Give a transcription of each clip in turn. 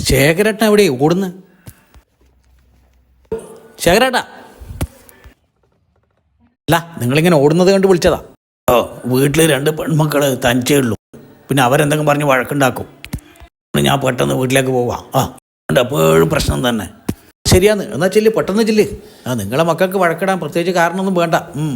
ശേഖരേട്ടൻ എവിടെ ഓടുന്നു? ശേഖരേട്ടാ, അല്ല നിങ്ങളിങ്ങനെ ഓടുന്നത് കണ്ട് വിളിച്ചതാ. ഓ, വീട്ടിൽ 2 പെൺമക്കൾ തനിച്ചേ ഉള്ളൂ. പിന്നെ അവരെന്തെങ്കിലും പറഞ്ഞ് വഴക്കുണ്ടാക്കും. ഞാൻ പെട്ടെന്ന് വീട്ടിലേക്ക് പോവാം. എപ്പോഴും പ്രശ്നം തന്നെ. ശരിയാന്ന്, എന്നാൽ ചെല്ല്, പെട്ടെന്ന് ചെല്ല്. നിങ്ങളെ മക്കൾക്ക് വഴക്കിടാൻ പ്രത്യേകിച്ച് കാരണമൊന്നും വേണ്ട.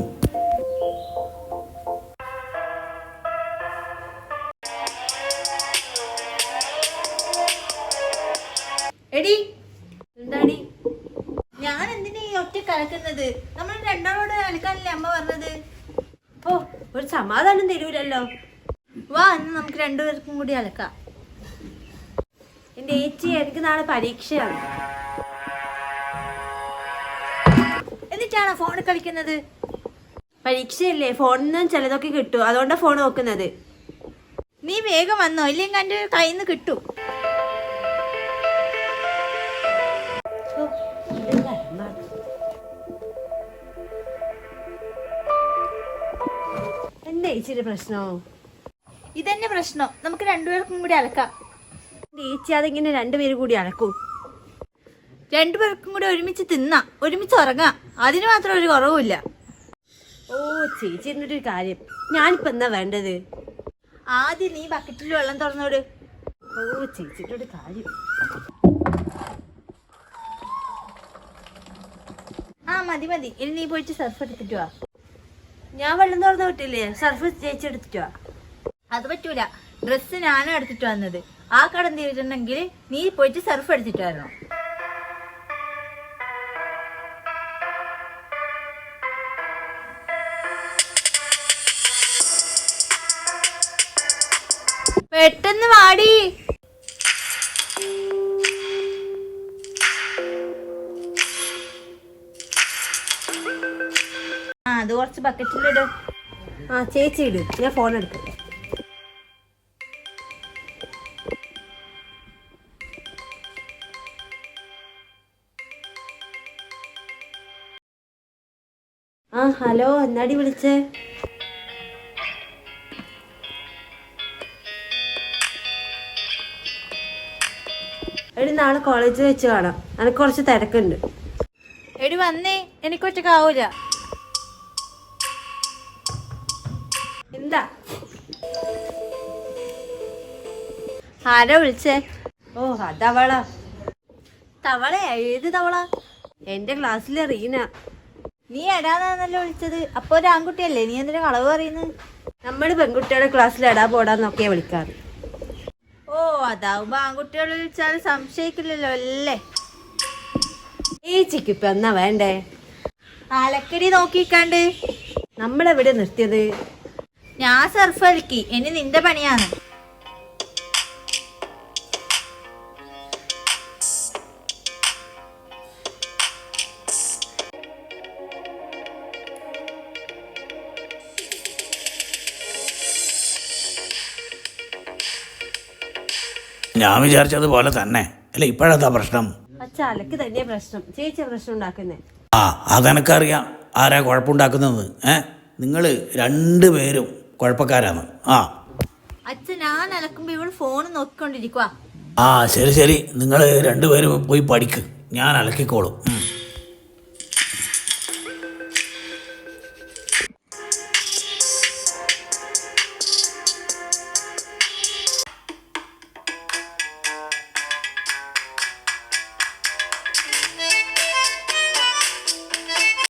എടി എന്താടി, ഞാൻ എന്തിനാ ഈ ഒറ്റ കലക്കുന്നത്? നമ്മൾ രണ്ടാളോട് കളിക്കാനല്ലേ അമ്മ പറഞ്ഞത്. ഓ, ഒരു സമാധാനം തരൂലല്ലോ. വാ, ഇന്ന് നമുക്ക് 2 പേർക്കും കൂടി അലക്കാം. എന്റെ ഏച്ചി, എനിക്ക് നാളെ പരീക്ഷയാണ്. എന്നിട്ടാണോ ഫോണിൽ കളിക്കുന്നത്? പരീക്ഷയല്ലേ, ഫോണിൽ നിന്നും ചിലതൊക്കെ കിട്ടും, അതുകൊണ്ടാണ് ഫോൺ നോക്കുന്നത്. നീ വേഗം വന്നോ, ഇല്ലെങ്കിൽ എൻ്റെ കയ്യിൽ നിന്ന് കിട്ടും. എന്താ ഏച്ചിയുടെ പ്രശ്നോ? ഇതന്നെ പ്രശ്നം, നമുക്ക് 2 പേർക്കും കൂടി അലക്കാം. എന്റെ ഏച്ചി അതെങ്ങനെ 2 പേരും കൂടി അലക്കും? 2 പേർക്കും കൂടി ഒരുമിച്ച് തിന്നാം, ഒരുമിച്ച് ഉറങ്ങാം. അതിന് മാത്രം ഒരു കുറവുമില്ല. ഓ ചേച്ചി, എന്നിട്ടൊരു കാര്യം, ഞാനിപ്പോ എന്താ വേണ്ടത്? ആദ്യം നീ ബക്കറ്റിൽ വെള്ളം തുറന്നോട്. ഓ ചേച്ചിയുടെ ഒരു കാര്യം. മതി മതി, ഇനി നീ പോയിട്ട് സർഫ് എടുത്തിട്ട് വാ. ഞാൻ വെള്ളം തുറന്നു വിട്ടില്ലേ, സർഫ് ചേച്ചി എടുത്തിട്ടോ? അത് പറ്റൂല, ഡ്രസ്സ് ഞാനും എടുത്തിട്ട് വന്നത്. ആ കടം തീരുന്നുണ്ടെങ്കിൽ നീ പോയിട്ട് സർഫ് എടുത്തിട്ട് വരണം. പെട്ടെന്ന് വാടി. അത് കുറച്ച് ബക്കറ്റിലിട്. ചേച്ചി ഇട്, ഞാൻ ഫോൺ എടുക്കട്ടെ. ഹലോ, എന്നാടി വിളിച്ചേ? എടി, നാളെ കോളേജിൽ വെച്ച് കാണാം, എനിക്ക് കുറച്ച് തിരക്കുണ്ട്. എടി വന്നേ, എനിക്കൊറ്റക്കാവൂല. എന്താ? ആരാ വിളിച്ചേ? ഓ, അതവളാ. തവള? ഏത് തവള? എന്റെ ക്ലാസ്സിലെ റീന. നീ എടാന്നാന്നല്ലോ വിളിച്ചത്. അപ്പൊ ഒരു ആൺകുട്ടിയല്ലേ, നീ എന്തിനാ കളവ് പറയുന്നത്? നമ്മള് പെൺകുട്ടിയുടെ ക്ലാസ്സിൽ എടാ പോടാന്നൊക്കെയാ വിളിക്കാറ്. ഓ, അതാവുമ്പോ ആൺകുട്ടികൾ വിളിച്ചാൽ സംശയിക്കില്ലല്ലോ അല്ലേ? ഏച്ചിക്ക് ഇപ്പൊ എന്നാ വേണ്ടേ? അലക്കടി നോക്കിക്കാണ്ട്. നമ്മളെവിടെ നിർത്തിയത്? ഞാൻ സർഫ് അലക്കി, ഇനി നിന്റെ പണിയാണ്. ഞാൻ വിചാരിച്ചതുപോലെ തന്നെ അല്ല. ഇപ്പോഴെന്താ പ്രശ്നം? അച്ഛാ, അലക്ക് തന്നെ പ്രശ്നം, ചേച്ചിയാ പ്രശ്നം ഉണ്ടാക്കുന്നേ. അതെനക്കറിയാം ആരാ കുഴപ്പമുണ്ടാക്കുന്നത്. നിങ്ങൾ 2 പേരും കുഴപ്പക്കാരാണ്. അച്ഛൻ, ഞാൻ അലക്കുമ്പോ ഇവള് ഫോൺ നോക്കിക്കൊണ്ടിരിക്കുക. ശരി ശരി, നിങ്ങൾ 2 പേരും പോയി പഠിക്ക്, ഞാൻ അലക്കിക്കോളും.